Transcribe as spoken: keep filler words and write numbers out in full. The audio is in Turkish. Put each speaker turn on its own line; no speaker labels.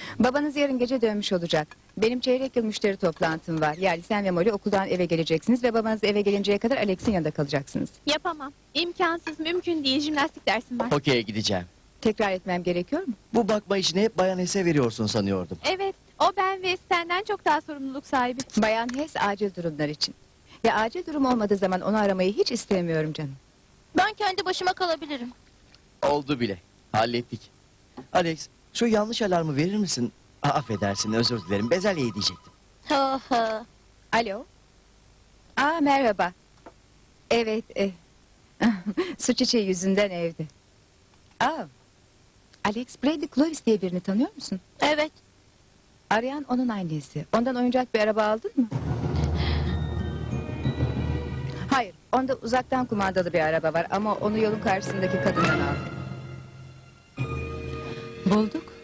Babanız yarın gece dönmüş olacak. Benim çeyrek yıl müşteri toplantım var. Yani sen ve Molly okuldan eve geleceksiniz ve babanız eve gelinceye kadar Alex'in yanında kalacaksınız.
Yapamam. İmkansız, mümkün değil. Jimnastik dersim var.
Okey'e gideceğim.
Tekrar etmem gerekiyor mu?
Bu bakma işini hep Bayan Hess'e veriyorsun sanıyordum.
Evet, o ben ve senden çok daha sorumluluk sahibi.
Bayan Hess acil durumlar için. Ve acil durum olmadığı zaman onu aramayı hiç istemiyorum canım.
Ben kendi başıma kalabilirim.
Oldu bile. Hallettik. Alex, şu yanlış alarmı verir misin? Aa, affedersin, özür dilerim. Bezelyeyi diyecektim.
Ha ha.
Alo? Aa merhaba. Evet. E. Su çiçeği yüzünden evde. Aa. Alex Brady Clovis diye birini tanıyor musun?
Evet.
Arayan onun annesi. Ondan oyuncak bir araba aldın mı? Hayır. Onda uzaktan kumandalı bir araba var ama onu yolun karşısındaki kadından aldım. Bulduk.